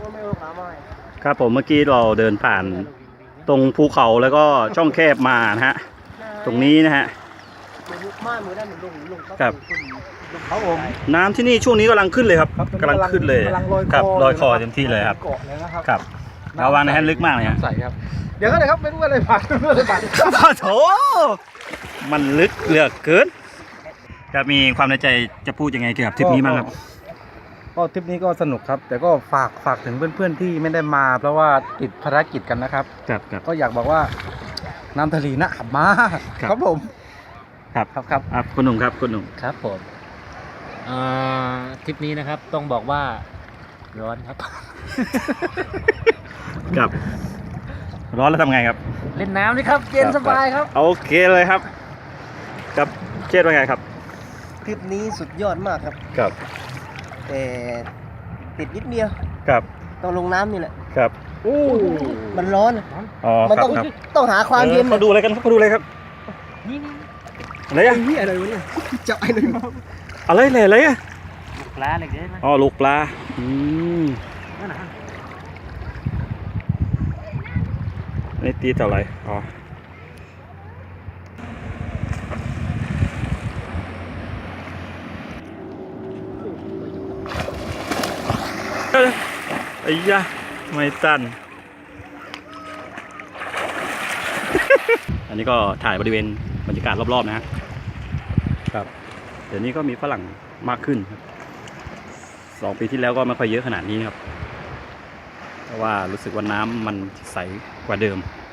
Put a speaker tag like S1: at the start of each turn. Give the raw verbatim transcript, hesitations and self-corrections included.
S1: ครับผมเมื่อกี้เราเดินผ่านตรงภูเขาแล้วก็ช่องแคบมานะฮะตรงนี้นะฮะครับน้ำที่นี่ช่วงนี้กำลังขึ้นเลยครับกำลังขึ้นเลยครับลอยคอเต็มที่เลยครับครับระวังนะฮะลึกมากเลยฮะ
S2: ใส่ครับเดี๋ยวก็เลยครับไม่รู้อะไรผ่านไม่รู้อะไรผ่าน
S1: โถมันลึกเหลือเกินจะมีความในใจจะพูดยังไงเกี่ยวกับทริปนี้บ้างครับ
S2: ก็ทริปนี้ก็สนุกครับแต่ก็ฝากฝากถึงเพื่อนๆที่ไม่ได้มาเพราะว่าติดภารกิจกันนะครับ
S1: ครับครับ
S2: ก็อยากบอกว่าน้ำทะเลน่ะขับมาครับผม
S1: ครับครับครับครับคุณหนุ่มครับคุณหนุ่ม
S3: ครับผมทริปนี้นะครับต้องบอกว่าร้อนครับ
S1: ครับร้อนแล้วทำไงครับ
S3: เล่นน้ำนี่ครับเย็นสบายครับ
S1: โอเคเลยครับกับเชษว่าไงครับ
S4: ทริปนี้สุดยอดมากครับ
S1: ครับ
S4: แต่ติดนิดเดียว
S1: ครับ
S4: ต้องลงน้ำนี่แหละ
S1: ครับ
S4: อู้มันร้อน
S1: อ๋อ
S4: มันต้องต้องหาความเย็น
S1: เขาดูอะไรกันเขาดูอะไรครับ
S3: นี่
S1: อะไรอ่ะ
S4: นี่อะไรวะเนี่ยจับอะไรมา
S1: อะไรเลยอะไรอ่ะ
S3: ลูกปลาอะไรเงี้ย
S1: อ๋อลูกปลาอืมนี่ตีเท่าไหร่อ๋อไอ้ยะไม่ตัน อันนี้ก็ถ่ายบริเวณบรรยากาศรอบๆนะครับเดี๋ยวนี้ก็มีฝรั่งมากขึ้นครับสองปีที่แล้วก็ไม่ค่อยเยอะขนาดนี้ครับเพราะว่ารู้สึกว่าน้ำมันใสกว่าเดิม